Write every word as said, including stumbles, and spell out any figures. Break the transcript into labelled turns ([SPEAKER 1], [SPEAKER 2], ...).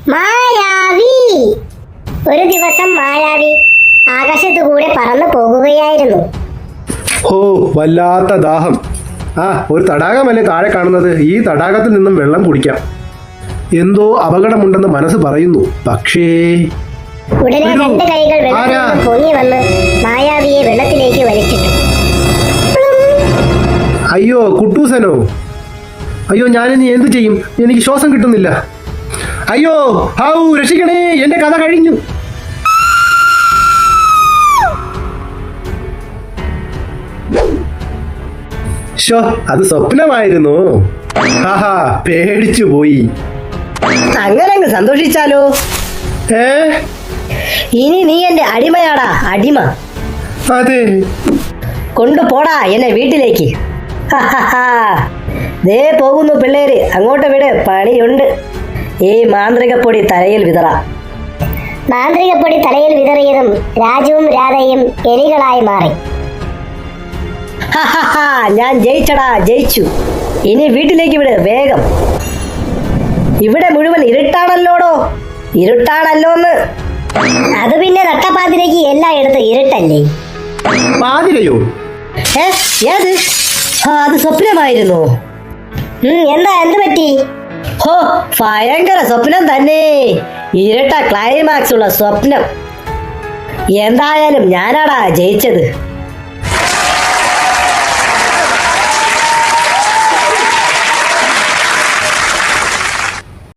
[SPEAKER 1] മായാവി. ഒരു ദിവസം മായാവി ആകാശത്തു കൂടെ പറന്നു പോകുകയായിരുന്നു.
[SPEAKER 2] ഓ, വല്ലാത്ത ദാഹം. ആ, ഒരു തടാകമല്ലേ താഴെ കാണുന്നത്. ഈ തടാകത്തിൽ നിന്നും വെള്ളം കുടിക്കാം. എന്തോ അപകടമുണ്ടെന്ന് മനസ്സ് പറയുന്നു. പക്ഷേ
[SPEAKER 1] ഉടനെ രണ്ട് കൈകൾ വെള്ളത്തിൽ നിന്നും പൊങ്ങി വന്ന് മായാവിയെ വെള്ളത്തിലേക്ക് വലിച്ചിട്ടു.
[SPEAKER 2] അയ്യോ, കുട്ടൂസനോ? അയ്യോ, ഞാനിനി എന്തു ചെയ്യും? എനിക്ക് ശ്വാസം കിട്ടുന്നില്ല. അയ്യോ, ഹൗ, രക്ഷിക്കണേ, എന്റെ കഥ കഴിഞ്ഞു. ഷോ, അത് സ്വപ്നമായിരുന്നു. ഹാഹാ, പേടിച്ചു പോയി.
[SPEAKER 3] അങ്ങനെ അങ്ങ് സന്തോഷിച്ചാലോ?
[SPEAKER 2] ഏ,
[SPEAKER 3] ഇനി നീ എന്റെ അടിമയാടാ, അടിമ.
[SPEAKER 2] അതെ.
[SPEAKER 3] കൊണ്ടുപോടാ എന്നെ വീട്ടിലേക്ക്. ദേ പോകുന്നു പിള്ളേര്, അങ്ങോട്ട് വിട്, പണിയുണ്ട്. ഈ മാന്ത്രികപ്പൊടി തലയിൽ വിതറ.
[SPEAKER 1] മാന്ത്രികപ്പൊടി തലയിൽ വിതറിയതും രാജുവും രാധയും എലികളായി മാറി.
[SPEAKER 3] ഞാൻ ജയിച്ചടാ, ജയിച്ചു. ഇനി വീട്ടിലേക്ക് വിട് വേഗം. ഇവിടെ മുഴുവൻ ഇരുട്ടാണല്ലോടോ, ഇരുട്ടാണല്ലോന്ന്.
[SPEAKER 1] അത് പിന്നെ നട്ടപ്പാതിരേക്ക് എല്ലായിടത്തും ഇരുട്ടല്ലേ?
[SPEAKER 2] പാതിരയോ?
[SPEAKER 3] ഏ, ഏത്? ആ, അത് സ്വപ്നമായിരുന്നു.
[SPEAKER 1] എന്താ, എന്ത് പറ്റി?
[SPEAKER 3] ഹോ, ഭയങ്കര സ്വപ്നം തന്നെ. ഇരട്ട ക്ലൈമാക്സ് ഉള്ള സ്വപ്നം. എന്തായാലും ഞാനാടാ ജയിച്ചത്.